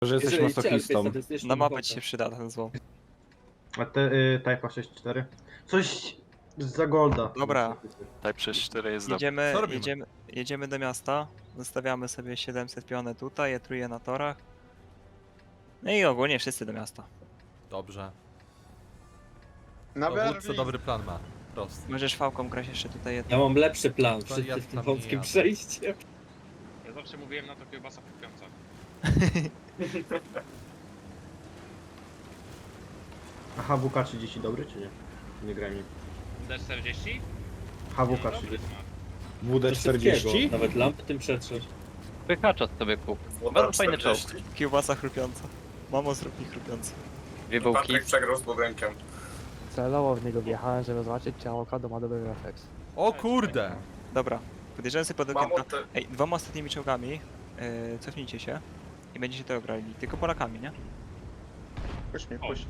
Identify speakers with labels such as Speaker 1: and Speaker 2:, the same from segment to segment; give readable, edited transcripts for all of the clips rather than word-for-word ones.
Speaker 1: Że jesteś
Speaker 2: Jeżeli
Speaker 1: masochistą.
Speaker 2: cierpię statystyczną
Speaker 3: Na mapę
Speaker 2: ochotę.
Speaker 3: ci się przyda ten złom.
Speaker 4: A te Type'a 6.4? Coś za golda.
Speaker 3: Dobra.
Speaker 5: Type 6.4 jest dobry.
Speaker 3: Jedziemy,
Speaker 6: Co robimy?
Speaker 3: jedziemy do miasta, zostawiamy sobie 700 piony tutaj, je na torach. No i ogólnie wszyscy do miasta.
Speaker 6: Dobrze.
Speaker 7: Na
Speaker 6: Dowódca dobry plan ma. Prosty.
Speaker 3: Możesz fałką grać jeszcze tutaj jedno.
Speaker 2: Ja mam lepszy plan
Speaker 6: To
Speaker 2: przed
Speaker 6: ja
Speaker 2: tym
Speaker 6: tam nie
Speaker 2: wąskim
Speaker 6: jadę.
Speaker 2: przejściem.
Speaker 7: Ja zawsze mówiłem na to kiełbasa kupiąca.
Speaker 4: A HWK 30 dobry czy nie? Nie graj mi.
Speaker 7: D40?
Speaker 4: HWK
Speaker 7: Dobry
Speaker 4: 30.
Speaker 7: smak.
Speaker 2: Do szybkiego.
Speaker 4: WD-40?
Speaker 2: Nawet lampy tym przetrzeć.
Speaker 8: Pychacza sobie kup. Bardzo fajny czołg.
Speaker 3: Kiełbasa chrupiąca. Mamo, zrób mi chrupiący.
Speaker 8: Dwie bułki.
Speaker 9: Patryk przegrał z budynkiem.
Speaker 10: Celowo w niego wjechałem, żeby zobaczyć, czy avokado ma dobry refleks.
Speaker 6: O kurde!
Speaker 3: Dobra, podjeżdżamy sobie pod okienko.
Speaker 9: Mamut,
Speaker 3: Ej, dwoma ostatnimi czołgami, cofnijcie się i będziecie to grali. Tylko Polakami, nie?
Speaker 9: puść mi,
Speaker 7: O.
Speaker 9: puść.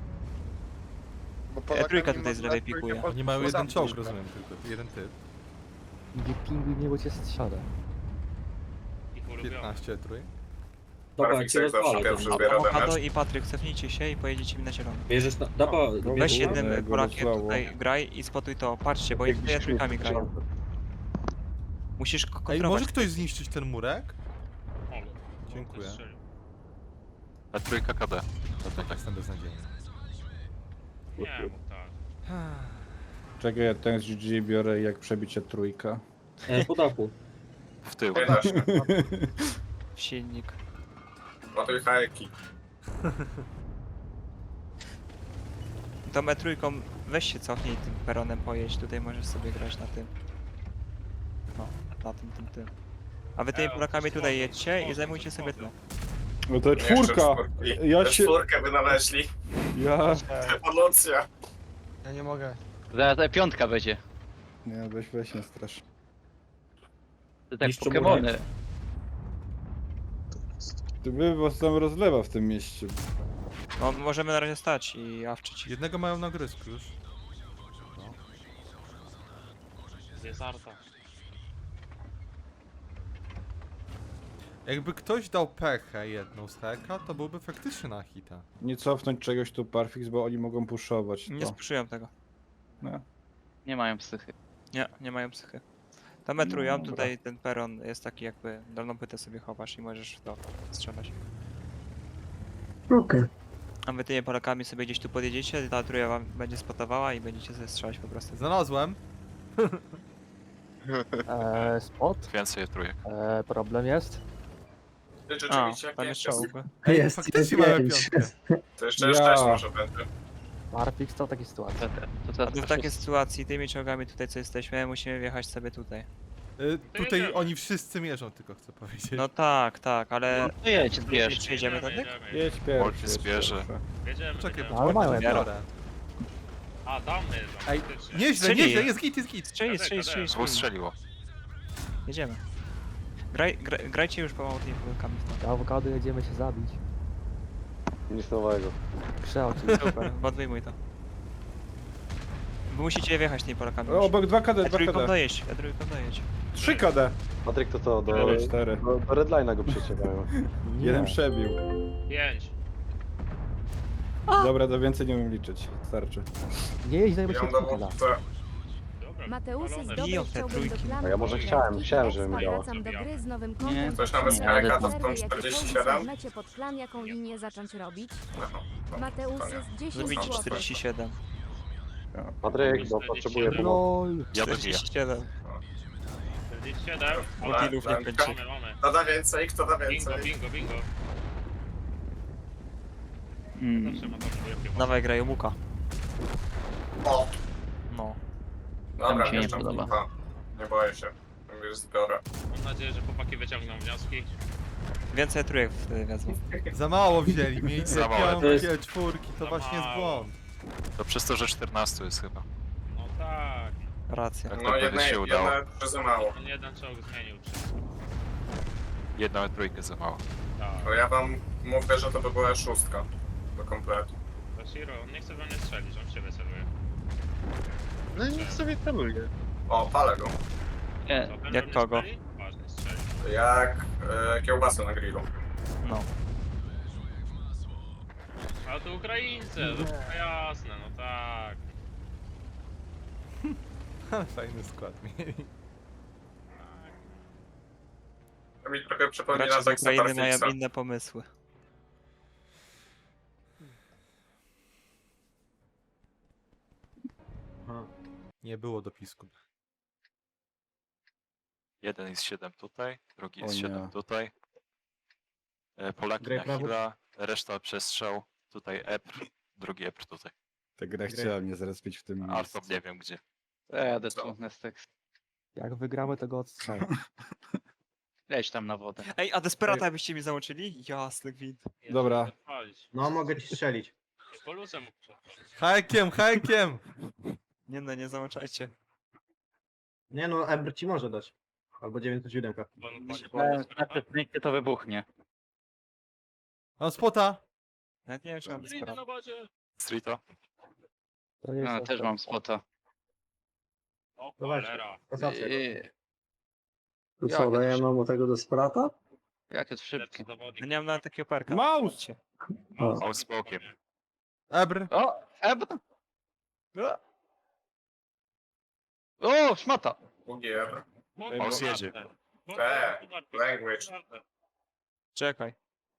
Speaker 9: Bo
Speaker 3: Trójka tutaj z lewej pikuje.
Speaker 6: Oni mają jeden czołg, rozumiem, tylko jeden typ.
Speaker 10: Gdzie pingwin niego cię strzela.
Speaker 7: Ich ulubiony.
Speaker 6: 15 trój.
Speaker 2: Dobra,
Speaker 9: Barfix
Speaker 2: cię
Speaker 9: jak zawsze
Speaker 2: rozwalę.
Speaker 9: pierwszy
Speaker 2: ten-
Speaker 9: zbiera
Speaker 3: Awokado
Speaker 9: damage.
Speaker 3: i Patryk, cofnijcie się i pojedziecie mi na zielono.
Speaker 2: Bierzesz na... Dobra,
Speaker 3: Weź
Speaker 2: bierz
Speaker 3: jednym
Speaker 1: go
Speaker 3: Polakiem
Speaker 1: rozlało.
Speaker 3: tutaj graj i spotuj to. Patrzcie, bo tutaj trójkami grają. Musisz
Speaker 6: Ej,
Speaker 3: kontrolować.
Speaker 6: może ktoś zniszczyć ten murek?
Speaker 7: O,
Speaker 6: Dziękuję.
Speaker 7: strzelił.
Speaker 5: A trójka KD.
Speaker 6: To tak jestem beznadziejny.
Speaker 7: Nie, mów tak.
Speaker 1: Czekaj, ja ten z GG biorę jak przebicie trójka.
Speaker 2: Po dachu.
Speaker 5: W tył.
Speaker 9: 11.
Speaker 3: W silnik.
Speaker 9: Ładuj hajeki.
Speaker 3: To trójką weź się cofnij tym peronem pojedź. Tutaj możesz sobie grać na tym. No, na tym. A wy tymi Polakami tutaj jedźcie i zajmujcie sobie to.
Speaker 1: No to
Speaker 9: Jeszcze
Speaker 1: czwórka!
Speaker 9: czwórki.
Speaker 1: Ja
Speaker 9: Też
Speaker 1: się...
Speaker 9: czwórkę wynaleźli.
Speaker 1: Ja...
Speaker 9: Ewolucja.
Speaker 7: Ja nie mogę.
Speaker 8: Zaraz piątka będzie.
Speaker 1: Nie, weź nie strasz.
Speaker 8: To tak
Speaker 2: Niszczą
Speaker 8: Pokemony.
Speaker 1: Ty by was tam rozlewa w tym mieście.
Speaker 3: No, możemy na razie stać i awczyć.
Speaker 6: Jednego mają na grysku już.
Speaker 7: Jest arta.
Speaker 6: Jakby ktoś dał pechę jedną z heka, to byłby faktycznie na hita.
Speaker 1: Nie cofnąć czegoś tu Parfix, bo oni mogą puszować
Speaker 3: Nie
Speaker 1: to.
Speaker 3: spuszują tego.
Speaker 1: No.
Speaker 8: Nie mają psychy.
Speaker 3: Nie mają psychy. To metrują,
Speaker 1: Dobra.
Speaker 3: tutaj ten peron jest taki jakby dolną płytę sobie chowasz i możesz w to strzelać.
Speaker 4: Okej.
Speaker 3: A wy tymi Polakami sobie gdzieś tu podjedziecie, ta trójka wam będzie spotowała i będziecie sobie strzelać po prostu.
Speaker 6: Znalazłem.
Speaker 10: Spot.
Speaker 5: Więcej trójek.
Speaker 10: Problem jest.
Speaker 9: Ty
Speaker 3: A,
Speaker 9: rzeczywiście
Speaker 3: tam jest
Speaker 9: pięć
Speaker 3: czołg.
Speaker 6: Ej, faktycznie mamy piątkę.
Speaker 9: To jeszcze
Speaker 1: Ja.
Speaker 9: 6 może będzie.
Speaker 10: Parfix to takie sytuacje.
Speaker 8: To
Speaker 3: A to w takiej sytuacji tymi czołgami tutaj co jesteśmy, musimy wjechać sobie tutaj.
Speaker 6: Tutaj
Speaker 7: jedziemy.
Speaker 6: oni wszyscy mierzą, tylko chcę powiedzieć.
Speaker 3: No tak, ale
Speaker 8: No jedź, zbierz.
Speaker 3: Przyjedziemy tędy?
Speaker 1: Jedź
Speaker 5: Wolf
Speaker 1: pierwszy.
Speaker 5: zbierze.
Speaker 7: Jedziemy,
Speaker 6: Czekaj,
Speaker 7: jedziemy.
Speaker 10: Ale mają
Speaker 6: poczekaj,
Speaker 10: jak
Speaker 6: biorę.
Speaker 7: A, damy jeżdżą,
Speaker 6: Ej,
Speaker 7: faktycznie.
Speaker 6: nieźle,
Speaker 3: Strzeli.
Speaker 6: nieźle, jest git.
Speaker 3: strzeli.
Speaker 5: Dwóch strzeliło.
Speaker 3: Jedziemy. Grajcie już pomału tymi Polakami w to.
Speaker 10: Awokado jedziemy się zabić.
Speaker 4: Nic nowego.
Speaker 10: Przeoczy.
Speaker 3: Super, bo odwyjmuj to. Wy musicie wjechać tymi Polakami już.
Speaker 1: Obok 2 KD, 2
Speaker 3: E3
Speaker 1: KD.
Speaker 3: dojedź, E3 dojedź.
Speaker 1: 3 KD.
Speaker 4: Patryk to co, do
Speaker 1: 4.
Speaker 4: Redline'a go przeciekają.
Speaker 1: Jeden przebił.
Speaker 7: 5.
Speaker 1: Dobra, do więcej nie umiem liczyć. Starczy.
Speaker 10: Nie jeźdź, dajmy
Speaker 9: Ja
Speaker 10: się
Speaker 9: mam
Speaker 10: trójkę da.
Speaker 9: dowódcę.
Speaker 7: Dobra,
Speaker 11: Mateusy z
Speaker 7: walone.
Speaker 3: Biją
Speaker 11: dobrej
Speaker 3: te
Speaker 11: chciałbym do
Speaker 3: trójki.
Speaker 11: planu.
Speaker 4: A ja może chciałem, żeby mi dało.
Speaker 11: Wracam do gry z nowym
Speaker 8: Nie.
Speaker 11: kontem.
Speaker 9: Coś nawet z
Speaker 8: Nie,
Speaker 9: hajeka to
Speaker 8: ale-
Speaker 9: są 47.
Speaker 11: Mecie pod plan, jaką linię zacząć robić.
Speaker 9: No,
Speaker 11: Mateusy z 10
Speaker 3: Zrobić
Speaker 11: zł.
Speaker 3: 47.
Speaker 4: Patryk,
Speaker 7: bo potrzebuję pomocy.
Speaker 10: LOL.
Speaker 5: Ja dobiję.
Speaker 3: 47.
Speaker 7: 47.
Speaker 3: Multilów nie kończy.
Speaker 7: Mamy.
Speaker 9: Kto da więcej, kto da
Speaker 7: Bingo,
Speaker 9: więcej.
Speaker 7: bingo. Zawsze ma tam wielkie
Speaker 3: Dawaj graj Muka.
Speaker 9: O,
Speaker 3: No.
Speaker 9: dobra,
Speaker 8: mi się nie
Speaker 9: wjeżdżam
Speaker 8: podoba.
Speaker 9: kupa. Nie boję się. Mówię, zbiorę.
Speaker 7: Mam nadzieję, że chłopaki wyciągną wnioski.
Speaker 3: Więcej trójek wtedy wezmą.
Speaker 6: Za mało wzięli, mieli
Speaker 5: Za mało.
Speaker 6: piątki, czwórki, to
Speaker 7: Za
Speaker 6: właśnie jest
Speaker 7: mało.
Speaker 6: błąd.
Speaker 5: To przez to, że 14 jest chyba.
Speaker 7: No tak.
Speaker 3: Racja.
Speaker 5: Tak
Speaker 9: No
Speaker 5: to
Speaker 9: jedne,
Speaker 5: się udało.
Speaker 9: jedne za mało.
Speaker 7: On jeden czołg zmienił wszystko.
Speaker 5: Jedna trójkę za mało.
Speaker 7: Tak.
Speaker 9: To ja wam mówię, że to by była szóstka. Do kompletu.
Speaker 7: To Shiro, on nie chce we mnie strzelić, on w siebie celuje.
Speaker 9: No i niech sobie celuje. O, palę go.
Speaker 8: Nie,
Speaker 7: Co, ten
Speaker 3: Jak
Speaker 7: we mnie
Speaker 3: kogo?
Speaker 7: strzeli? Ważny strzeli.
Speaker 9: Jak kiełbasę na grillu.
Speaker 3: No.
Speaker 7: to Ukraińcy, to jasne, no tak.
Speaker 6: Fajny skład mieli.
Speaker 5: To mi trochę przypomina
Speaker 3: Gracze z
Speaker 5: tak
Speaker 3: Ukrainy mają inne pomysły.
Speaker 4: Aha.
Speaker 6: Nie było dopisku.
Speaker 5: Jeden jest 7 tutaj, drugi
Speaker 1: O
Speaker 5: jest 7
Speaker 1: nie.
Speaker 5: tutaj. Polaki
Speaker 4: Graj
Speaker 5: na
Speaker 4: prawo.
Speaker 5: Hila, reszta przestrzał. Tutaj Epr, drugi Epr tutaj.
Speaker 1: Ta gra chciała mnie zrespić w tym
Speaker 5: A
Speaker 1: miejscu.
Speaker 5: to nie wiem gdzie.
Speaker 8: Jadę tu, Nestek.
Speaker 10: Jak wygramy, to go odstrzelę.
Speaker 8: Leć tam na wodę.
Speaker 3: Ej, a Desperata byście mi załączyli? Jasny gwint.
Speaker 1: Dobra.
Speaker 4: No, mogę ci strzelić.
Speaker 7: Polusem.
Speaker 6: Hajkiem, hajkiem!
Speaker 3: Nie no, nie załączajcie.
Speaker 4: Nie no, Ebr ci może dać. Albo 907.
Speaker 8: Na przesunięcie to wybuchnie.
Speaker 6: Mam spota!
Speaker 3: Nawet nie wiem, czy mam Desperata.
Speaker 5: Streeto?
Speaker 10: To jest
Speaker 8: No, też mam spota.
Speaker 7: O
Speaker 4: To weź.
Speaker 7: cholera.
Speaker 4: Kasacja.
Speaker 8: To co, dajemy
Speaker 9: mu tego desperata?
Speaker 8: Jak jest szybki.
Speaker 7: Lepszy zawodnik.
Speaker 3: No nie mam nawet takiego perka.
Speaker 1: Mouse!
Speaker 5: O, z bokiem.
Speaker 6: Ebr!
Speaker 8: O! Ebr! O! Szmata!
Speaker 5: Mouse jedzie.
Speaker 7: Language.
Speaker 3: Czekaj.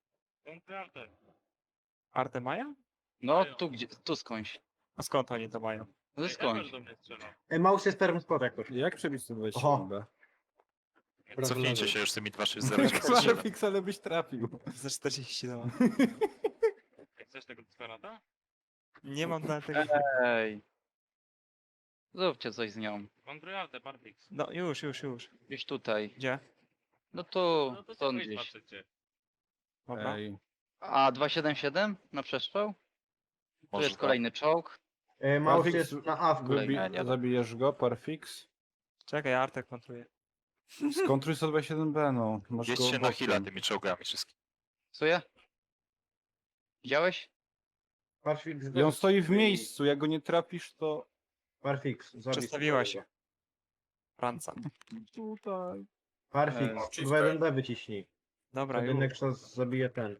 Speaker 3: Artę mają?
Speaker 8: No, tu gdzie? Tu skądś.
Speaker 3: A skąd oni to mają?
Speaker 8: No skądś.
Speaker 4: Ej, mouse jest perm spot jak ktoś.
Speaker 1: Jak przebić to
Speaker 4: Oho.
Speaker 1: 27B?
Speaker 5: Cofnijcie się już z tymi 260.
Speaker 1: Klarfix, ale byś trafił.
Speaker 3: Za 40 no.
Speaker 7: Chcesz tego Desperata?
Speaker 3: Nie mam nawet tego.
Speaker 8: Ej. Zróbcie coś z nią.
Speaker 7: Van Bruyarte, Parfix.
Speaker 3: No już.
Speaker 8: Gdzieś tutaj.
Speaker 3: Gdzie?
Speaker 8: No to
Speaker 7: No to
Speaker 8: stąd
Speaker 7: sobie
Speaker 8: gdzieś.
Speaker 7: patrzycie.
Speaker 3: Dobra.
Speaker 1: Ej.
Speaker 8: A 277 na przestrzał? Tu
Speaker 5: Może
Speaker 8: jest
Speaker 5: tak.
Speaker 8: kolejny czołg.
Speaker 4: Mouse
Speaker 1: Parfix
Speaker 4: jest na A w kolejnym.
Speaker 5: Nie, nie.
Speaker 1: Zabijesz go, Parfix?
Speaker 3: Czekaj, Artę kontruje.
Speaker 1: Skontruj 127B, no. Masz go
Speaker 5: Jedźcie na
Speaker 1: bokiem.
Speaker 5: Hila tymi czołgami wszystkimi.
Speaker 8: Co ja? Widziałeś?
Speaker 4: Parfix.
Speaker 1: I on stoi w miejscu, jak go nie trafisz, to...
Speaker 4: Parfix. zabij
Speaker 3: Przestawiła
Speaker 4: sobie.
Speaker 3: się. Franca.
Speaker 1: Tutaj.
Speaker 4: Parfix. 21B wyciśnij.
Speaker 3: Dobra,
Speaker 4: Wtedy
Speaker 3: już.
Speaker 4: Nexus zabije ten.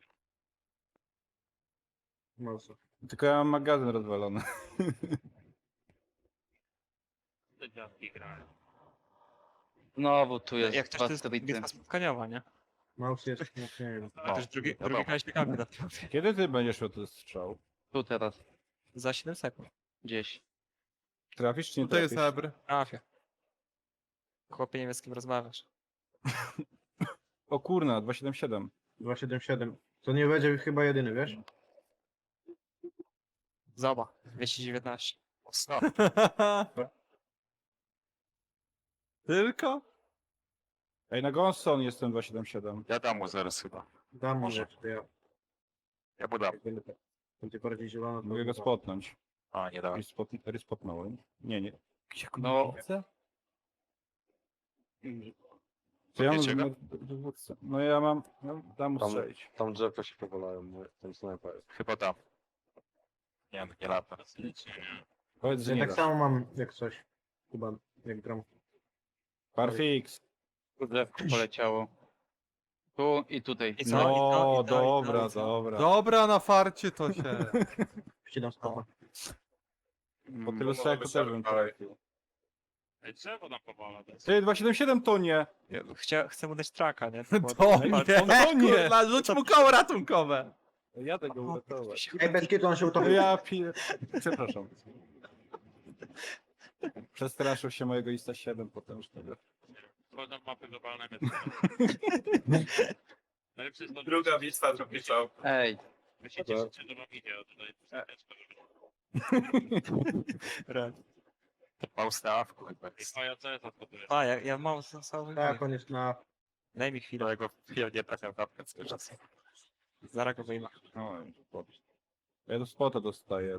Speaker 4: Mouse.
Speaker 1: Tylko ja mam magazyn rozwalony.
Speaker 7: Te dziadki grają.
Speaker 8: Znowu tu jest
Speaker 3: Jak też to jest
Speaker 8: Pastrity.
Speaker 3: bitwa spotkaniowa, nie?
Speaker 4: Mouse jest, no, nie wiem.
Speaker 3: A też drugi
Speaker 5: wiadomo.
Speaker 3: kalifikacje na tym.
Speaker 1: Kiedy ty będziesz miał ten strzał?
Speaker 8: Tu teraz.
Speaker 3: Za 7 sekund.
Speaker 8: Gdzieś.
Speaker 1: Trafisz czy nie
Speaker 6: Tutaj jest
Speaker 1: trafisz?
Speaker 6: Ebr.
Speaker 3: Trafię. Chłopie, nie wiem z kim rozmawiasz.
Speaker 1: O kurna, 277.
Speaker 4: 277. To nie będzie chyba jedyny, wiesz?
Speaker 3: Zoba. 219.
Speaker 5: Mocno.
Speaker 6: Tylko?
Speaker 1: Ej, na Gonson jestem 277.
Speaker 5: Ja dam mu zaraz chyba.
Speaker 4: Dam mu
Speaker 5: Może.
Speaker 4: jeszcze, ja.
Speaker 5: Ja mu dam.
Speaker 4: Jak będzie bardziej zielono, to...
Speaker 1: Mogę go spotnąć.
Speaker 5: A, nie dałem.
Speaker 1: Respotnąłem. Nie. Gdzie go
Speaker 8: No.
Speaker 1: nie widzę? Co ja mam
Speaker 5: Podniecie go?
Speaker 1: dowódcę? No ja mam... No, dam mu
Speaker 9: Tam-
Speaker 1: strzelić.
Speaker 9: Tam drzewka się powalają, ten snajper jest.
Speaker 5: Chyba dam. Nie, nie lata.
Speaker 1: Powiedz, że
Speaker 4: Ja
Speaker 1: nie
Speaker 4: tak
Speaker 1: dasz.
Speaker 4: samo mam jak coś. Chyba, jak gram.
Speaker 1: Parfix.
Speaker 8: Tu drzewko poleciało. Tu i tutaj.
Speaker 3: I co?
Speaker 1: No,
Speaker 3: I co?
Speaker 1: dobra,
Speaker 3: I co?
Speaker 1: dobra.
Speaker 6: Dobra, na farcie to się.
Speaker 4: Wcinam stopa.
Speaker 1: Po tylu strzałach to też bym trafił.
Speaker 7: Ej, drzewo nam powala.
Speaker 1: Ty, 277 to nie!
Speaker 3: Chcę mu dać traka, nie?
Speaker 6: To nie,
Speaker 1: to nie.
Speaker 6: kurwa, rzuć mu koło ratunkowe.
Speaker 1: Jadę go uratować.
Speaker 4: Ej, bez kitu on się utopił.
Speaker 1: Ja Przepraszam. Przestraszył się mojego Ista 7 potężnego.
Speaker 7: Wchodzą w mapy globalne. Najlepszy jest to,
Speaker 5: Druga bitwa, drugi czołg.
Speaker 8: Ej.
Speaker 7: wy się cieszycie, że wam idzie, a tutaj
Speaker 5: Mouse na awku chyba jest.
Speaker 7: A ja co jest odpotuje?
Speaker 3: A, ja mam cały
Speaker 4: Tak, on jest na...
Speaker 3: Daj mi chwilę.
Speaker 5: Którego ja nie trafiam tapkę cały czas.
Speaker 3: Zaraz go wyjmę.
Speaker 1: Oj, spot. Ja do spota dostaję.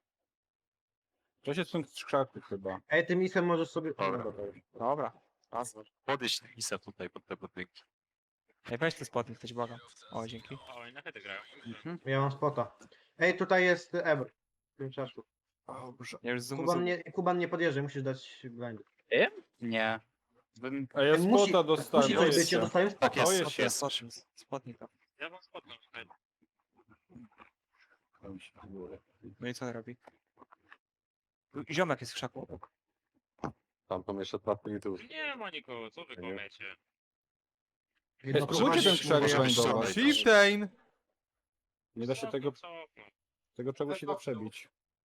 Speaker 1: To się są krzaków chyba.
Speaker 4: Ej, tym isem możesz sobie...
Speaker 5: Dobra.
Speaker 4: Dobra, to już.
Speaker 3: Dobra. Raz.
Speaker 5: Podejść Isa tutaj pod te budynki.
Speaker 3: Ej, weź ten spotnik, ktoś błagam. O, dzięki.
Speaker 7: O, i na hedy grają.
Speaker 4: Ja mam spota. Ej, tutaj jest Ebr. W tym czaszu.
Speaker 1: Dobrze.
Speaker 3: Ja już zoom.
Speaker 4: Kuban nie podjeżdża, musisz dać blind.
Speaker 8: Nie. Bym...
Speaker 1: A ja
Speaker 4: Musi-
Speaker 1: spota dostałem.
Speaker 4: Musi
Speaker 1: to
Speaker 4: coś być,
Speaker 1: jest.
Speaker 4: ja dostałem spota.
Speaker 5: Tak jest,
Speaker 1: jest,
Speaker 5: jest.
Speaker 3: Spotnik.
Speaker 7: Ja wam spodnę.
Speaker 1: Tam się w górę.
Speaker 3: No i co on robi? Ziomek jest w krzaku obok.
Speaker 6: Tam to jeszcze 2 minuty.
Speaker 7: Nie ma nikogo, co wy komiecie?
Speaker 4: Jedno
Speaker 1: Spróbujcie ten krzak
Speaker 5: Może być
Speaker 1: grindować.
Speaker 5: szalej.
Speaker 6: Shiftain!
Speaker 1: Nie da się tego,
Speaker 7: Cofnął.
Speaker 1: tego czegoś się da przebić.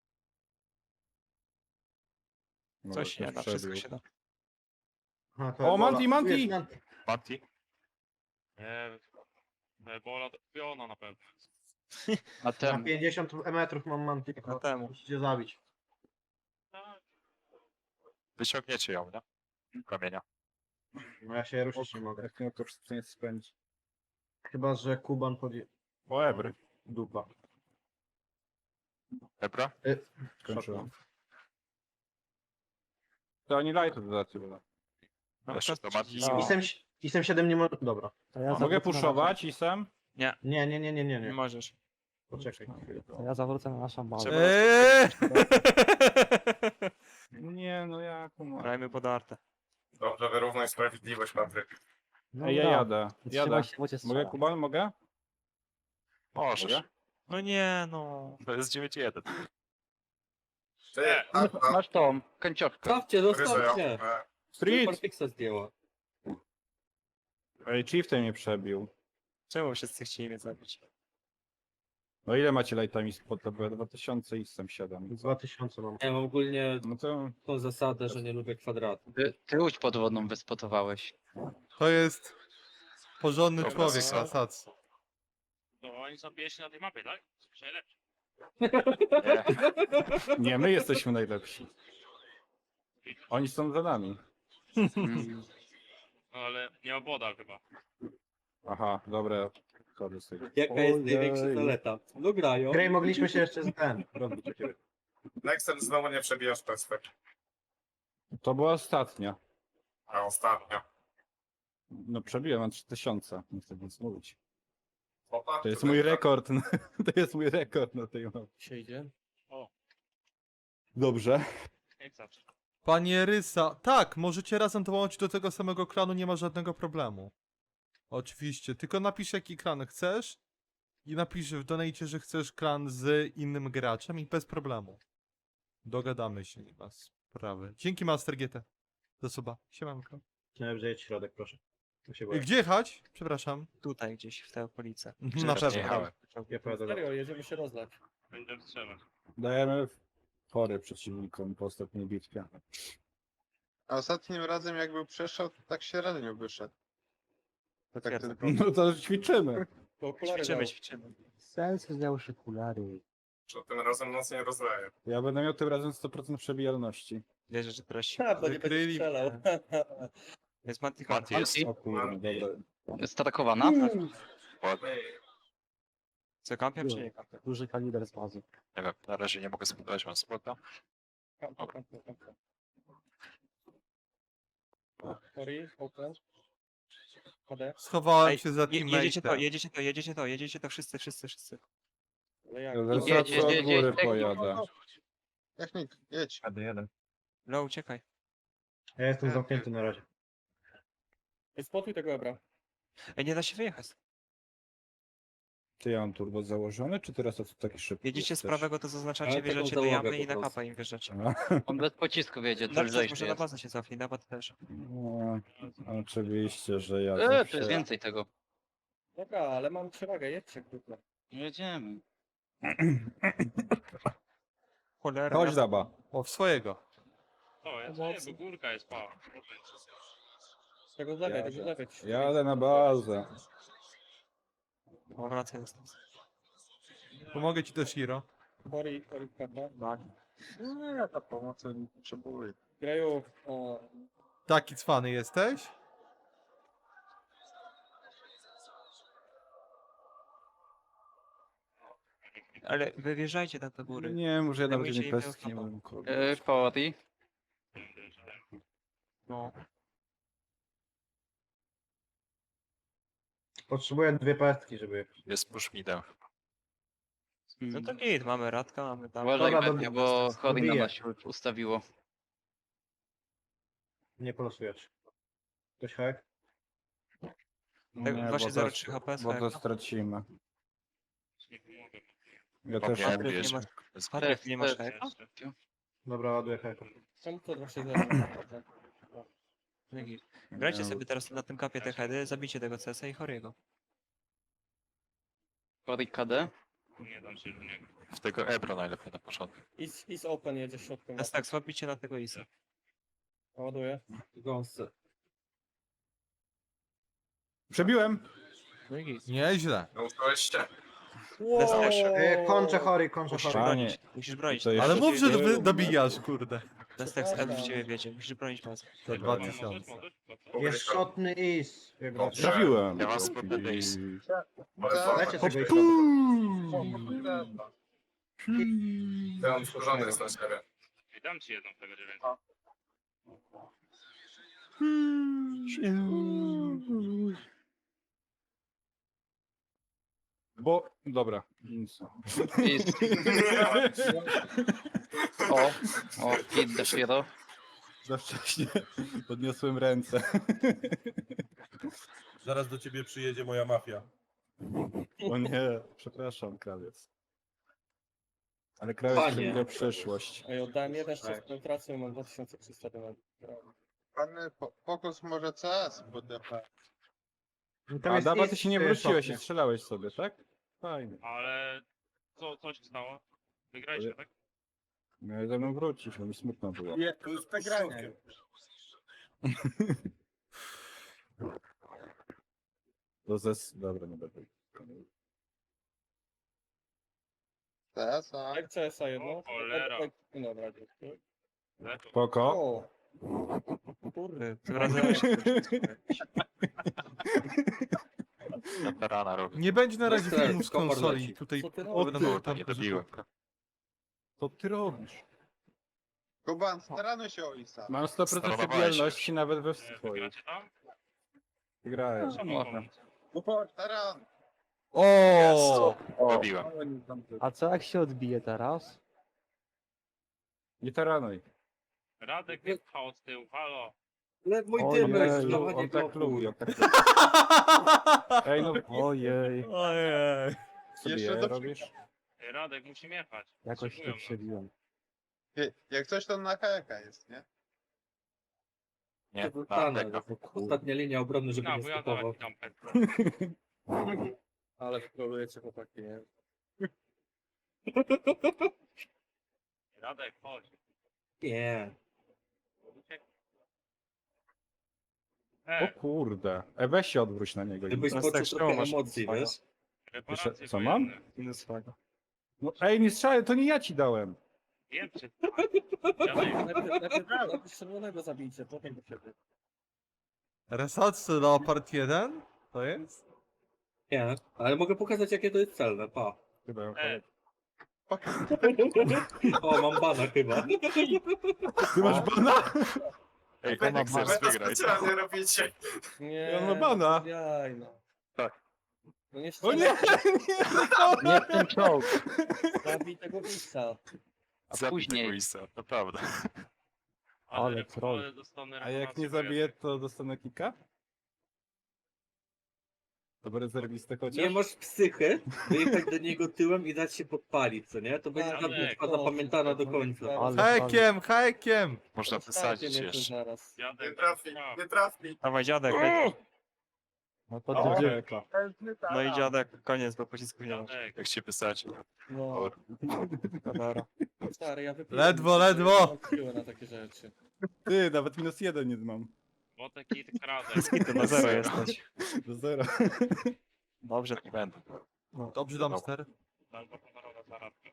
Speaker 1: No,
Speaker 3: Coś się
Speaker 1: ktoś
Speaker 3: da, wszystko
Speaker 1: przebił.
Speaker 3: się da.
Speaker 4: Aha, to
Speaker 1: O,
Speaker 4: Ebola.
Speaker 1: Manti, Manti!
Speaker 4: Tu jest Manti.
Speaker 5: Mati?
Speaker 7: Nie, Ebola to piona na pewno.
Speaker 8: Na
Speaker 4: Na
Speaker 8: tem.
Speaker 4: 50 metrów mam Manti.
Speaker 3: Na temu.
Speaker 4: Musicie zabić.
Speaker 7: Tak.
Speaker 5: Wyciągniecie ją, nie? Kamienia.
Speaker 4: No ja się ruszyć nie mogę.
Speaker 1: Jak nie, to wszystko nie spędzi.
Speaker 4: Chyba, że Kuban podje...
Speaker 1: O, Ebry.
Speaker 4: Dupa.
Speaker 5: Ebra?
Speaker 1: Skończyłem. To oni lightu dodacie, bo...
Speaker 3: No,
Speaker 5: Jeszcze
Speaker 3: kto-
Speaker 5: to Mati.
Speaker 3: No.
Speaker 4: Isem 7 nie może... Dobra.
Speaker 10: To ja
Speaker 1: Mogę
Speaker 10: zawrócę na
Speaker 1: puszować Isem?
Speaker 4: Nie, nie, nie, nie, nie,
Speaker 3: Nie
Speaker 4: nie.
Speaker 3: możesz.
Speaker 4: Poczekaj.
Speaker 10: To ja zawrócę na naszą bazę.
Speaker 3: Trzeba-
Speaker 1: Nie, no jak?
Speaker 3: Grajmy podarte.
Speaker 9: Dobrze, wyrównaj sprawiedliwość, Patryk.
Speaker 10: No
Speaker 1: Ej, ja
Speaker 10: dobra.
Speaker 1: jadę.
Speaker 10: Trzymaj
Speaker 1: Jadę.
Speaker 10: się, bo cię
Speaker 1: Mogę,
Speaker 10: strzela.
Speaker 1: Kuban? Mogę?
Speaker 5: Możesz.
Speaker 1: Mogę?
Speaker 3: No nie, no.
Speaker 5: To jest 9-1.
Speaker 9: Ty,
Speaker 8: Masz tą końcówkę.
Speaker 2: Stawcie, zostawcie!
Speaker 1: Street!
Speaker 2: Superfixa zdjęła.
Speaker 1: Ej, Chieftain mnie przebił.
Speaker 3: Czemu wszyscy chcieli mnie zabić?
Speaker 1: No ile macie lightami spod? To było 2000 i Isem 7.
Speaker 4: 2000 mam.
Speaker 2: Ja mam ogólnie
Speaker 1: No to...
Speaker 2: tą zasadę, że nie lubię kwadratu.
Speaker 8: Ty łódź podwodną wyspotowałeś.
Speaker 6: To jest porządny
Speaker 5: Dobra,
Speaker 6: człowiek,
Speaker 5: zasada.
Speaker 6: Asac.
Speaker 7: To oni są pierwsi na tej mapie, tak? Najlepsi.
Speaker 5: Nie.
Speaker 1: Nie, my jesteśmy najlepsi. Oni są za nami.
Speaker 8: Mm.
Speaker 7: No ale nie oboda chyba.
Speaker 1: Aha, dobra. Chodzę sobie.
Speaker 2: Jaka jest
Speaker 1: Ojej.
Speaker 2: największa zaleta? No grają.
Speaker 4: Grej mogliśmy się jeszcze z ten rozbić o ciebie.
Speaker 9: Nexem znowu nie przebijasz perspektyw.
Speaker 1: To była ostatnia.
Speaker 9: A ostatnio.
Speaker 1: No przebiłem, mam 3000. Nie chcę nic mówić.
Speaker 9: Popatrz,
Speaker 1: To jest
Speaker 9: tutaj
Speaker 1: mój
Speaker 9: tak.
Speaker 1: rekord. To jest mój rekord na tej mapie.
Speaker 2: Się idzie?
Speaker 1: Dobrze.
Speaker 7: Jak zawsze.
Speaker 6: Panie Rysa, tak, możecie razem dołączyć do tego samego klanu, nie ma żadnego problemu. Oczywiście, tylko napisz jaki klan chcesz i napisz w donajcie, że chcesz klan z innym graczem i bez problemu. Dogadamy się, nie ma sprawy. Dzięki Master GT. Do suba. Siemanko.
Speaker 4: Najlepszy jedź środek, proszę. Tu się boję.
Speaker 6: Gdzie jechać? Przepraszam.
Speaker 3: Tutaj gdzieś, w te okolice.
Speaker 6: Mhm, Na
Speaker 5: Nie
Speaker 6: pewno.
Speaker 5: jechałem.
Speaker 4: Ja pojadę do...
Speaker 2: jedziemy się rozlać.
Speaker 7: Będę strzelał.
Speaker 1: Dajemy fory przeciwnikom po ostatniej bitwie.
Speaker 9: A ostatnim razem jak był przeszedł, to tak średnio wyszedł. Tak
Speaker 3: Potwierdzam.
Speaker 9: tylko,
Speaker 1: No to ćwiczymy.
Speaker 3: Ćwiczymy.
Speaker 10: Sens zdjął się okulary.
Speaker 9: że tym razem nas nie rozleje.
Speaker 1: Ja będę miał tym razem 100% przebijalności.
Speaker 3: Wierzę, że teraz się...
Speaker 2: bo nie będzie
Speaker 6: Wykryli.
Speaker 2: strzelał.
Speaker 3: Jest Manti
Speaker 5: Mati jest.
Speaker 1: O kurde, dobra.
Speaker 8: Statakowana?
Speaker 5: Ładnie.
Speaker 3: Co, kampią czy nie kampią?
Speaker 10: Duży kaliber z bazy.
Speaker 5: Nie wiem, na razie nie mogę zbudować, mam spota.
Speaker 6: Schowałem
Speaker 3: Ej,
Speaker 6: się za
Speaker 3: jedziecie to,
Speaker 6: teammate'em.
Speaker 3: jedziecie to, wszyscy.
Speaker 1: Ja
Speaker 8: Jedź,
Speaker 1: zaraz
Speaker 8: jedź,
Speaker 1: od
Speaker 8: jedź,
Speaker 1: góry
Speaker 8: jedź.
Speaker 1: pojadę.
Speaker 9: Technik, jedź.
Speaker 3: No, uciekaj.
Speaker 4: Ja jestem zamknięty na razie.
Speaker 2: Spotuj tego Ebra.
Speaker 3: Ej, nie da się wyjechać.
Speaker 1: Ty ja mam turbo założone, czy teraz to taki szybki
Speaker 3: Jedziecie z
Speaker 1: jesteś?
Speaker 3: prawego, to zaznaczacie,
Speaker 2: Ale taką
Speaker 3: wjeżdżacie do
Speaker 2: załogę
Speaker 3: jamy i
Speaker 2: po
Speaker 3: na
Speaker 2: prostu.
Speaker 3: kapa im wjeżdżacie.
Speaker 8: On bez pocisku wiedzie, to
Speaker 3: Na
Speaker 8: już
Speaker 3: może
Speaker 8: zejście
Speaker 3: na
Speaker 8: jest.
Speaker 3: bazę się cofnij, na bazę też.
Speaker 1: No, oczywiście, że ja
Speaker 8: Tu
Speaker 1: zawsze...
Speaker 8: jest więcej tego.
Speaker 2: Dobra, ale mam przewagę, jedźcie krótko.
Speaker 8: Jedziemy.
Speaker 3: Cholera.
Speaker 1: Chodź daba.
Speaker 6: O, w swojego.
Speaker 7: To jest, nie, bo górka jest pa.
Speaker 2: Z tego zlewej, tego zlewej.
Speaker 1: Jadę na bazę.
Speaker 3: O, wracaj do nas.
Speaker 6: Pomogę ci też, Hiro.
Speaker 2: Chory, prawda?
Speaker 3: Tak.
Speaker 9: Nie, ja ta pomocy nie potrzebuję.
Speaker 2: Graju, o,
Speaker 6: Taki cwany jesteś?
Speaker 3: Ale wy wjeżdżajcie tam do góry.
Speaker 1: Nie, może ja nawet
Speaker 3: Zajmujcie
Speaker 1: nie
Speaker 3: im
Speaker 1: pestki nie
Speaker 3: pełchapa.
Speaker 1: mam. kurde.
Speaker 8: Pori.
Speaker 3: No.
Speaker 4: Potrzebuję 2 pestki, żeby...
Speaker 5: Jest pushmidem.
Speaker 3: No to git, mamy Radka, mamy tam.
Speaker 8: Uważaj,
Speaker 4: Dobra,
Speaker 8: Betty, bo Chory na
Speaker 4: dobiję.
Speaker 8: nas się ustawiło.
Speaker 4: Nie polosujesz. Ktoś hak?
Speaker 3: Tak,
Speaker 1: Nie,
Speaker 3: właśnie
Speaker 1: bo to-
Speaker 3: 0,3 HP
Speaker 1: Bo to
Speaker 3: swojego.
Speaker 1: stracimy.
Speaker 7: nie pomogę.
Speaker 1: Ja
Speaker 5: Okej.
Speaker 1: też.
Speaker 5: Ja
Speaker 3: Patryk, nie
Speaker 5: bierze.
Speaker 3: masz, Patryk, nie masz heka?
Speaker 4: Dobra, ładuję heka.
Speaker 2: Czemu to 260?
Speaker 3: Grajcie sobie teraz na tym kapie te heady, zabijcie tego CS-a i Horiego.
Speaker 8: Horik KD.
Speaker 7: Nie dam się do niego.
Speaker 5: W tego Ebro najlepiej na początku.
Speaker 2: Is open jedzie środkiem.
Speaker 3: Teraz tak, słabicie na tego Isa.
Speaker 2: Ładuję.
Speaker 4: Gąsce.
Speaker 1: Przebiłem!
Speaker 3: No i git.
Speaker 6: Nieźle.
Speaker 4: Kończę chory,
Speaker 3: Musisz
Speaker 1: Panie,
Speaker 3: bronić, musisz bronić.
Speaker 1: to jest-
Speaker 6: Ale mów, że
Speaker 1: Nie,
Speaker 6: wy dobijasz, kurde.
Speaker 3: Destex F w ciebie wiedzie, musisz bronić bazę.
Speaker 6: Za
Speaker 7: Możesz,
Speaker 6: 2000.
Speaker 7: możesz?
Speaker 4: Jest szotny is.
Speaker 1: Trafiłem.
Speaker 5: Ja was pod base.
Speaker 4: Dajcie tego isa.
Speaker 7: I dam ci jedną tego 9.
Speaker 1: Bo, dobra. Nic.
Speaker 8: Is. O, hit the hero.
Speaker 1: Za wcześnie podniosłem ręce.
Speaker 12: Zaraz do ciebie przyjedzie moja mafia.
Speaker 1: O nie, przepraszam, krawiec. Ale krawiec przewiduje przyszłość.
Speaker 2: Ej, oddałem jeden czas penetracji i mam 2300 do
Speaker 9: Pan fokus może CS, bo DP.
Speaker 1: A Dawa, ty się nie wróciłeś i strzelałeś sobie, tak? Fajnie.
Speaker 7: Ale co się stało? Wygraliśmy, tak?
Speaker 1: Miałeś ze mną wrócić, bo mi smutno było.
Speaker 9: Nie, to jest przegranie.
Speaker 1: To Dobra, nie będę.
Speaker 9: CS, a
Speaker 2: Jak CS-a jedno?
Speaker 7: O, cholera.
Speaker 2: Dobra, dziękuję.
Speaker 1: Spoko.
Speaker 2: O,
Speaker 3: Kurde, tym razem
Speaker 5: Weterana robi.
Speaker 6: Nie będzie na razie
Speaker 4: Bez stresu,
Speaker 6: filmów z
Speaker 4: komfort
Speaker 6: konsoli.
Speaker 4: leci.
Speaker 6: Tutaj
Speaker 2: Co ty
Speaker 1: O
Speaker 2: robisz?
Speaker 1: ty,
Speaker 5: No, to nie dobiłem.
Speaker 1: Co ty robisz?
Speaker 9: Kuban, staranuj się o Isa.
Speaker 1: Mam 100%
Speaker 5: Starowałeś
Speaker 1: stabilności nawet we swoich.
Speaker 7: Wygracie tam?
Speaker 1: Grałeś.
Speaker 7: Czemu pomóc?
Speaker 9: Staran!
Speaker 6: O!
Speaker 5: Dobiłem.
Speaker 10: A co jak się odbije teraz?
Speaker 1: Nie taranuj.
Speaker 7: Radek nie pchał z tyłu, halo.
Speaker 4: Mój
Speaker 6: Ojej.
Speaker 1: On tak lubi. on tak lubi. Ej, no
Speaker 10: Ojej,
Speaker 6: Ojej.
Speaker 1: sobie
Speaker 9: Jeszcze
Speaker 1: je
Speaker 9: do-
Speaker 1: robisz?
Speaker 7: Ej, Radek musi jechać.
Speaker 10: jakoś
Speaker 7: Potrzebują
Speaker 10: to
Speaker 7: nas.
Speaker 10: przebiłem.
Speaker 9: Jak coś to na heka jest, nie?
Speaker 5: Nie, na tego.
Speaker 4: Ostatnia linia obrony, żeby
Speaker 7: No,
Speaker 4: nie
Speaker 7: bo ja
Speaker 4: skupował.
Speaker 7: dałem tam
Speaker 2: Ale wkrolujecie chłopaki, nie?
Speaker 7: Radek, chodź.
Speaker 4: Nie.
Speaker 1: O kurde. Weź się odwróć na niego.
Speaker 4: Gdybyś
Speaker 3: Teraz tak
Speaker 4: poczuł
Speaker 3: szkoła
Speaker 4: trochę
Speaker 3: masz
Speaker 4: emocji,
Speaker 3: fajna.
Speaker 4: wiesz?
Speaker 7: Reparacje
Speaker 1: Co mam?
Speaker 7: wojenne.
Speaker 3: minus flaga.
Speaker 1: No, ej, nie strzelaj, to nie ja ci dałem.
Speaker 7: Wiem, czy... Radek,
Speaker 2: Najpierw czerwonego zabijcie, potem do siebie.
Speaker 6: Resort Leopard 1? To jest?
Speaker 4: Nie, ale mogę pokazać jakie to jest celne, pa.
Speaker 1: Chyba.
Speaker 4: O, mam bana chyba.
Speaker 1: Ty masz bana?
Speaker 5: Ej, jak chcesz wygrać.
Speaker 2: Nie,
Speaker 1: On ma bana.
Speaker 2: Jaj, no.
Speaker 5: Tak.
Speaker 2: No nie
Speaker 1: O nie!
Speaker 8: Nie w ten czołg.
Speaker 2: Zabij tego Isa.
Speaker 8: A
Speaker 5: Zabij
Speaker 8: później.
Speaker 5: tego Isa, naprawdę.
Speaker 10: Ale troll.
Speaker 7: dostanę
Speaker 1: A jak
Speaker 7: reparacje
Speaker 1: nie zabiję, to dostanę kika? To rezerwistę chociaż?
Speaker 4: Nie masz psychy wyjechać do niego tyłem i dać się podpalić, co nie? To będzie
Speaker 2: Tak,
Speaker 4: pamiątka
Speaker 2: tak.
Speaker 4: zapamiętana do końca.
Speaker 10: Ale
Speaker 6: Hajkiem, hajkiem!
Speaker 5: Można
Speaker 2: Zostawcie
Speaker 5: wysadzić
Speaker 2: mnie tu
Speaker 5: jeszcze.
Speaker 2: zaraz.
Speaker 7: Jadek,
Speaker 3: Dawaj dziadek, leć.
Speaker 10: No to
Speaker 1: O,
Speaker 10: ty
Speaker 1: heka.
Speaker 3: No i dziadek, koniec, bo pocisków nie ma.
Speaker 7: Jadek.
Speaker 5: Jak się wysadzi.
Speaker 2: No,
Speaker 3: Dobra.
Speaker 2: stary, ja wypiłem.
Speaker 6: Ledwo, ledwo.
Speaker 2: Mam siłę na takie rzeczy.
Speaker 1: Ty, nawet -1 nie mam.
Speaker 7: Botek i Radek.
Speaker 3: Ty na zero jesteś.
Speaker 1: Do zera.
Speaker 3: Dobrze.
Speaker 5: Nie będę.
Speaker 6: Dobrze, Dumpster.
Speaker 7: Albo honorowa zaradka.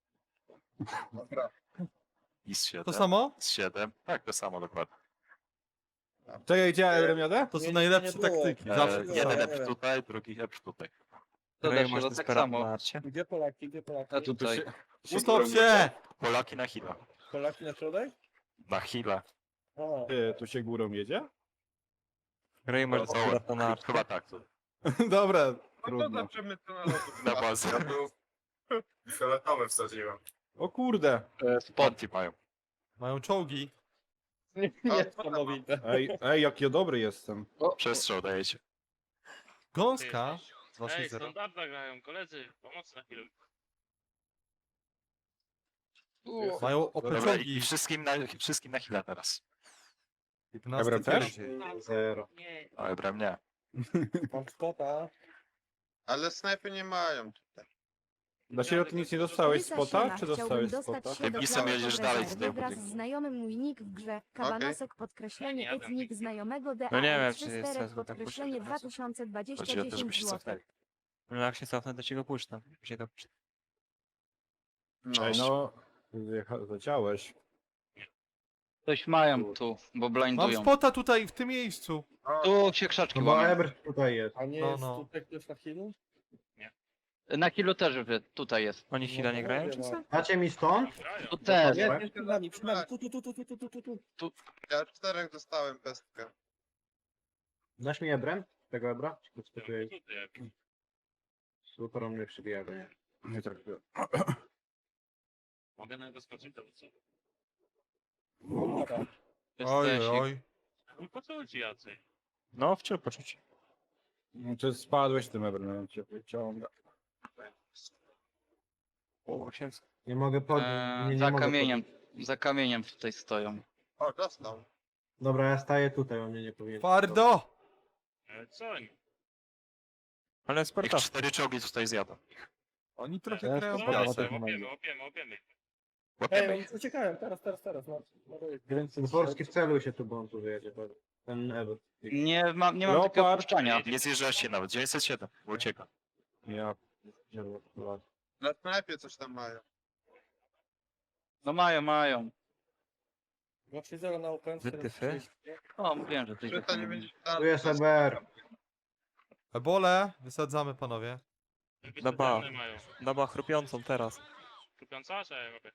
Speaker 5: IS 7.
Speaker 6: To samo?
Speaker 5: IS 7. Tak, to samo dokładnie.
Speaker 1: Czekaj, gdzie Euremiadę?
Speaker 6: To są
Speaker 2: Nie,
Speaker 6: najlepsze
Speaker 2: nie było.
Speaker 6: taktyki. Zawsze.
Speaker 2: nie,
Speaker 5: Jeden
Speaker 2: nie.
Speaker 5: ep tutaj, drugi ep tutaj.
Speaker 8: To
Speaker 3: Grają
Speaker 8: też
Speaker 3: masz
Speaker 8: tak
Speaker 3: despera
Speaker 8: samo.
Speaker 3: na arcie.
Speaker 2: Gdzie Polaki, gdzie Polaki?
Speaker 8: A tutaj.
Speaker 6: Stop się!
Speaker 5: Polaki na Hila.
Speaker 2: Polaki na środek?
Speaker 5: Na Hila.
Speaker 2: A,
Speaker 1: Ty, tu się górą jedzie?
Speaker 3: Grają masz despera na arcie.
Speaker 5: Chyba tak.
Speaker 1: Dobra,
Speaker 9: No to
Speaker 1: trudno.
Speaker 9: dobrze my to na lotu.
Speaker 5: Na bazę.
Speaker 9: Fioletowe wsadziłem.
Speaker 1: O kurde.
Speaker 5: Sponti mają.
Speaker 6: Mają czołgi.
Speaker 2: niesamowite.
Speaker 1: Ej, jaki ja dobry jestem.
Speaker 5: Przestrzał dajecie.
Speaker 6: Gąska?
Speaker 7: Ej,
Speaker 6: 2-6-0.
Speaker 7: standarda grają, koledzy, pomocy na chwilę.
Speaker 6: Mają
Speaker 5: Dobra,
Speaker 6: opęczogi.
Speaker 5: i wszystkim na chwilę teraz.
Speaker 6: 11
Speaker 1: Ebra też?
Speaker 6: pierdziej.
Speaker 4: 0.
Speaker 7: Nie.
Speaker 5: O, Ebrem nie.
Speaker 2: Mam spota.
Speaker 9: Ale snajpy nie mają tutaj.
Speaker 1: Dla siebie ty nic nie dostałeś
Speaker 11: Lysa
Speaker 1: spota,
Speaker 11: Siema,
Speaker 1: czy
Speaker 11: chciałbym
Speaker 1: dostałeś
Speaker 11: dostać
Speaker 1: spota?
Speaker 11: się do
Speaker 5: Pisem
Speaker 11: Cloud
Speaker 5: jedziesz
Speaker 11: of
Speaker 5: dalej
Speaker 11: Reserve
Speaker 5: tutaj w
Speaker 11: wraz z
Speaker 5: budynku.
Speaker 11: znajomym mój nick w grze. Kabanosek podkreślenie
Speaker 7: Ja nie jadę.
Speaker 11: etnik znajomego DA.
Speaker 3: No nie wiem, czy jest sens go tak
Speaker 11: podkreślenie
Speaker 3: puszczać.
Speaker 11: 2020
Speaker 5: Chodzi o to, żebyście
Speaker 11: 10 zł.
Speaker 5: cofnęli.
Speaker 3: No jak się cofnę, to ci go puszczę. Się to puszczę.
Speaker 1: Ej, no, leciałeś.
Speaker 8: Coś mają tu, bo
Speaker 6: Mam
Speaker 8: blindują.
Speaker 6: spota tutaj, w tym miejscu.
Speaker 8: Tu się krzaczki
Speaker 4: No bo
Speaker 8: łamią.
Speaker 4: Ebr tutaj jest.
Speaker 2: A nie
Speaker 6: No,
Speaker 2: jest
Speaker 6: no.
Speaker 2: tutaj ktoś na healu?
Speaker 8: Na kilu też tutaj jest.
Speaker 3: Oni chwilę nie grają, czy co?
Speaker 4: Dacie mi stąd?
Speaker 7: Grają.
Speaker 8: Tu też.
Speaker 2: Nie, nie, przed nami, przed nami. Tu.
Speaker 9: Ja 4 dostałem pestkę.
Speaker 4: Dasz mi Ebrem? Tego Ebra? Czy to spytuję?
Speaker 7: Tutaj,
Speaker 4: Super, on mnie przybija go.
Speaker 1: Nie traktuję.
Speaker 7: mogę na niego skoczyć, to co?
Speaker 6: Oj,
Speaker 8: Jesteś.
Speaker 6: oj.
Speaker 7: No po co ci jacy?
Speaker 3: No, wciąż poczuć.
Speaker 1: No, czy spadłeś tym ebrem, cię wyciąga.
Speaker 3: O, 800.
Speaker 4: Nie mogę podnieść. Nie, nie
Speaker 8: Za
Speaker 4: mogę
Speaker 8: kamieniem. Za kamieniem tutaj stoją.
Speaker 9: O, dostał.
Speaker 4: Dobra, ja staję tutaj, on mnie nie powinien.
Speaker 6: Twardo!
Speaker 7: Co oni?
Speaker 3: Ale
Speaker 5: Ich
Speaker 3: sporta.
Speaker 5: 4 czołgi tutaj zjadą.
Speaker 6: Oni trochę
Speaker 10: Ja
Speaker 6: grają
Speaker 10: to
Speaker 6: po
Speaker 10: ja
Speaker 6: prostu.
Speaker 10: też
Speaker 7: Łapiemy, łapiemy.
Speaker 5: Łapiemy
Speaker 2: Ej,
Speaker 5: ich.
Speaker 2: uciekałem, teraz. No,
Speaker 4: Dworski wceluj się tu, bo on tu wyjedzie. Ten Ebr.
Speaker 8: Nie mam takiego
Speaker 1: Leopard.
Speaker 8: puszczania.
Speaker 5: Nie zjeżdżacie nawet. 907, bo ucieka.
Speaker 1: Ja.
Speaker 9: Na snajpie coś tam mają.
Speaker 8: No mają.
Speaker 2: 2-3-0 na ofensję.
Speaker 3: Wytyfy?
Speaker 8: O, mówiłem, że
Speaker 9: Czy
Speaker 8: tutaj.
Speaker 9: to nie będzie
Speaker 4: Tu jest Ebr.
Speaker 6: Ebole, wysadzamy panowie.
Speaker 3: Dobra.
Speaker 7: Mają.
Speaker 3: Dobra, chrupiącą teraz.
Speaker 7: Kupiąca, czy ja robię?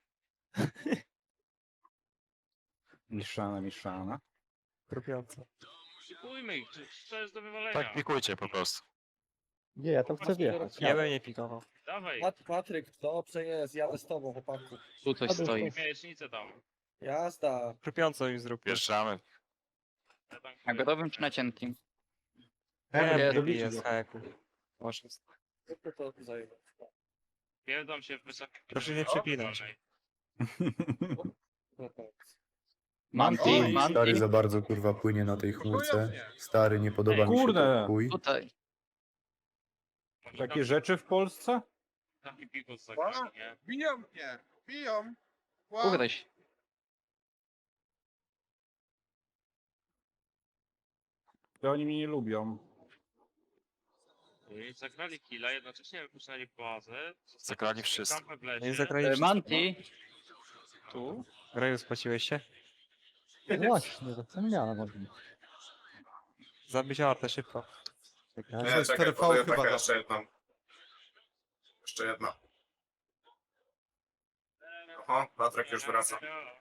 Speaker 1: Miszana.
Speaker 3: Chrupiąca.
Speaker 7: Kupujmy ich, co jest do wywalenia?
Speaker 5: Tak, pikujcie po prostu.
Speaker 10: Nie, ja tam chcę wjechać.
Speaker 3: Ja bym nie pikował.
Speaker 7: Dawaj,
Speaker 2: Patryk, dobrze jest, jadę z tobą, chłopaku.
Speaker 8: Tu coś stoi.
Speaker 7: miesięcznicę tam.
Speaker 2: Jazda.
Speaker 3: Chrupiącą już zrób.
Speaker 5: Wjeżdżamy.
Speaker 7: Ja tam
Speaker 8: Na grobym czy na cienkim?
Speaker 4: Ebr,
Speaker 3: Nie,
Speaker 4: dobicie
Speaker 3: jest
Speaker 4: go.
Speaker 3: haku. 800.
Speaker 2: To zajmę.
Speaker 7: pierdam się w wysokim...
Speaker 3: Proszę nie przepinać.
Speaker 2: No tak.
Speaker 8: Manti,
Speaker 9: Oj,
Speaker 8: Manti.
Speaker 12: za bardzo kurwa płynie na tej
Speaker 9: chmurce.
Speaker 12: Stary, nie podoba
Speaker 1: mi się Kurde. to
Speaker 12: chuj.
Speaker 8: Tutaj.
Speaker 1: Takie rzeczy w Polsce?
Speaker 7: Taki pikus za
Speaker 9: Wow.
Speaker 7: nie?
Speaker 9: Biją mnie! Biją! Wow.
Speaker 8: Kurde.
Speaker 1: To oni mnie nie lubią.
Speaker 7: I zagrali killa, jednocześnie wypuszczali bazę.
Speaker 5: Zagrali wszyscy.
Speaker 7: Kampę w
Speaker 3: No i
Speaker 7: lesie.
Speaker 3: zagrali wszystko.
Speaker 8: Manti.
Speaker 3: Tu. Graju, spłaciłeś się?
Speaker 10: No właśnie, zapomniałem o tym.
Speaker 3: Zabić artę szybko.
Speaker 6: To jest 4V chyba. Da.
Speaker 12: Jeszcze jedna. Oho, Patryk już wraca.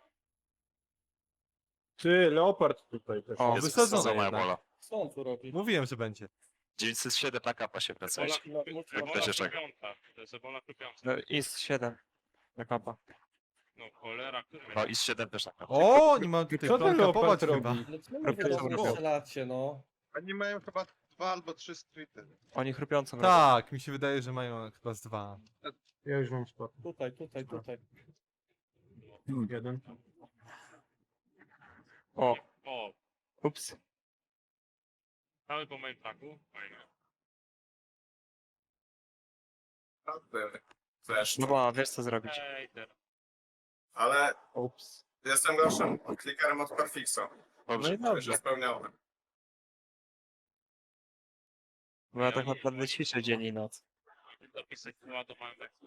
Speaker 1: Ty, Leopard tutaj też.
Speaker 3: O,
Speaker 5: Jest
Speaker 6: wysadzone
Speaker 5: wysadzona
Speaker 6: jednak.
Speaker 5: Ebola.
Speaker 2: Co on tu robi?
Speaker 6: Mówiłem, że będzie.
Speaker 5: 907 na kapa się wracać. Jak to się czeka?
Speaker 7: To jest ebola krupiąca.
Speaker 3: No i z 7. Na kapa.
Speaker 7: No cholera, który
Speaker 5: No i z 7 też na kapa.
Speaker 6: O, nie mam tutaj
Speaker 1: Co ten
Speaker 6: kapować
Speaker 1: Leopard
Speaker 6: chyba.
Speaker 1: robi?
Speaker 2: No czemu wy do mnie strzelacie, no?
Speaker 9: Oni mają chyba 2 albo 3 streety.
Speaker 3: Oni chrupiącą robią.
Speaker 6: Tak, mi się wydaje, że mają chyba z 2.
Speaker 4: Ja już mam spot.
Speaker 2: Tutaj.
Speaker 4: Jeden.
Speaker 3: O,
Speaker 7: O,
Speaker 3: ups.
Speaker 7: cały po moim taku. Fajnie.
Speaker 12: Flash.
Speaker 3: Dobra, wiesz co zrobić.
Speaker 7: Ej, teraz.
Speaker 12: Ale
Speaker 3: Ups.
Speaker 12: jestem gorszym klikerem od Perfixo.
Speaker 3: No i dobrze.
Speaker 12: Spełniony.
Speaker 3: Bo ja tak naprawdę ćwiczę dzień i noc.
Speaker 7: Dopisek wyładowałem jak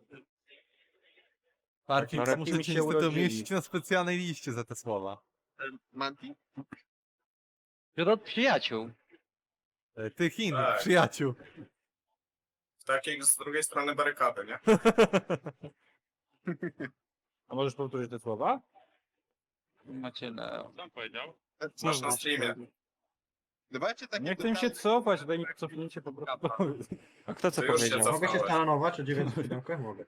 Speaker 6: Parking,
Speaker 3: No,
Speaker 6: muszę
Speaker 1: mi
Speaker 6: cię
Speaker 1: się
Speaker 6: niestety
Speaker 1: urodzili.
Speaker 6: umieścić na specjalnej liście za te słowa.
Speaker 9: Manti?
Speaker 8: Wśród od przyjaciół.
Speaker 6: Tych innych
Speaker 12: Tak.
Speaker 6: przyjaciół.
Speaker 12: Takich z drugiej strony barykady, nie?
Speaker 1: A możesz powtórzyć te słowa?
Speaker 8: Macie Leo.
Speaker 7: Co on powiedział?
Speaker 12: Masz na streamie.
Speaker 9: Dawajcie takie
Speaker 1: Nie chcę mi się cofać, daj mi cofnięcie po prostu.
Speaker 3: A kto co
Speaker 12: To już się
Speaker 3: powiedział?
Speaker 12: cofa.
Speaker 4: Mogę się stanować o 907? Mogę.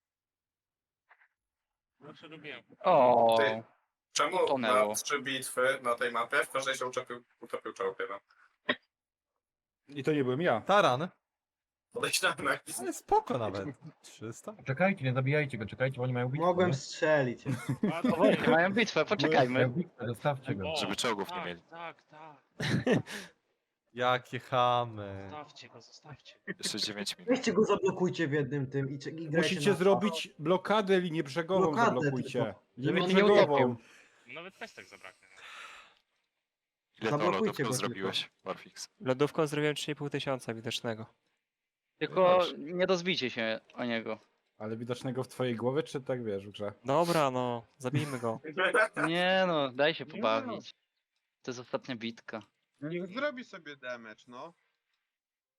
Speaker 7: Zawsze lubiłem.
Speaker 8: O.
Speaker 12: Ty. Czemu
Speaker 8: Tonęło.
Speaker 12: na 3 bitwy na tej mapie w każdej się utopił czołg jeden?
Speaker 1: I to nie byłem ja.
Speaker 6: Taran.
Speaker 12: Podejrzane.
Speaker 6: Ale spoko nawet. 300?
Speaker 10: Czekajcie, nie zabijajcie go, czekajcie, bo oni mają bitwę.
Speaker 4: Mogłem strzelić.
Speaker 8: Właśnie, mają bitwę, poczekajmy.
Speaker 10: Zostawcie go.
Speaker 7: O,
Speaker 5: Żeby czołgów nie
Speaker 7: tak,
Speaker 5: mieli.
Speaker 7: Tak, tak.
Speaker 6: Jakie chamy.
Speaker 7: Zostawcie go, zostawcie.
Speaker 5: Jeszcze 9 minut.
Speaker 4: Weźcie go zablokujcie w jednym tym i grajcie
Speaker 1: Musicie
Speaker 4: na-
Speaker 1: zrobić blokadę, linię brzegową
Speaker 4: Blokadę
Speaker 1: zablokujcie.
Speaker 4: tylko.
Speaker 1: Linię
Speaker 8: on nie
Speaker 1: brzegową.
Speaker 8: utopił.
Speaker 7: Nawet pestek zabraknie.
Speaker 5: Ile to
Speaker 4: Zablokujcie
Speaker 5: lodówków
Speaker 4: go
Speaker 5: zrobiłeś, Warfix?
Speaker 3: Lodówką zrobiłem 3,5 tysiąca widocznego.
Speaker 8: Tylko nie rozbijcie się o niego.
Speaker 1: Ale widocznego w twojej głowie, czy tak wiesz w grze?
Speaker 3: Dobra, no, zabijmy go.
Speaker 8: Nie no, daj się pobawić. To jest ostatnia bitka.
Speaker 9: Niech zrobi sobie damage, no.